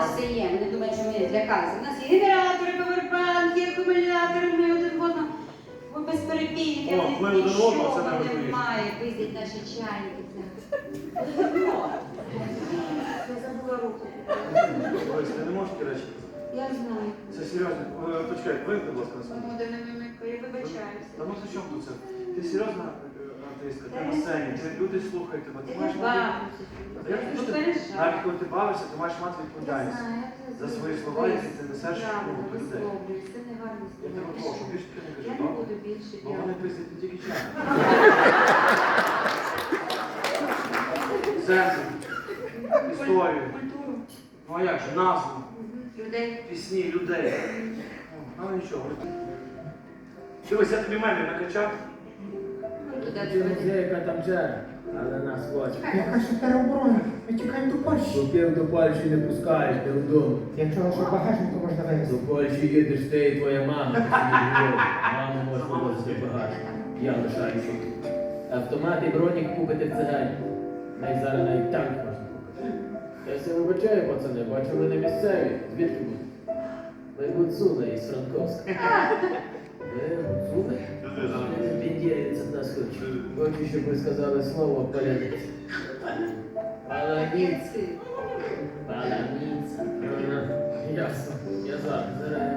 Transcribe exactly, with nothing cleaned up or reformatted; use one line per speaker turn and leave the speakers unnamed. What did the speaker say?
нас все є. Вони думають, що ми злякалися. У нас є генератори, павербанки, акумулятори, ми один одного. Ми безперебійники,
О, ми один одного, це
нічого
найважливіше.
немає. Пиздять наші чайники. Я забула руку.
Ось, ти не можеш ті речі.
Я знаю.
Це серйозно. Е, Почекай, вийди, будь ласка, на себе.
Тому де не вимикаю, я вибачаюся.
Та ну ти чому тут це? Ти серйозна е, артистка, ти на сцені, ти люди слухають тебе, ти маєш мати...
Я
Я
не
що ти-
переживаю.
Навіть коли ти бавишся, ти маєш мати
Я
відповідальність.
знаю, я це
За свої
знаю.
слова, які ти несеш
Правда,
ну, до людей.
висловлююсь, це не гарно
Я тебе прошу, більше ти не кажи,
Я не
добре?
буду більше
Бо вони
п'яти.
пиздять не тільки чай. Землю, історію.
Культуру.
Ну а як же, назву,
Людей.
пісні, людей. Ну нічого. Дивись, я тобі мемі накачав.
Ну, туди
Чи
туди.
музейка там джера, але нас хоче.
Яка ще тероборона? Ми тікаємо до Польщі.
Купив до Польщі не пускаєш, ти вдома.
Я чула, що багажнику можна
До
вивезти.
Польщі їдеш ти і твоя мама. ти собі говориш. Мама може вивозити багато. Я лишаюся. Автомат і бронік купити в цигані. Най зараз навіть танк можна купити. Я все вибачаю, пацани, бачу ви не місцеві. Звідки будете? Ви гуцули із Франковська. Ви гуцули? Бендєрівець від нас хоче. Хочу, щоб ви сказали слово «паляниця». Паляниця. Паляниця. Ага, ясно. Я зараз. Зараз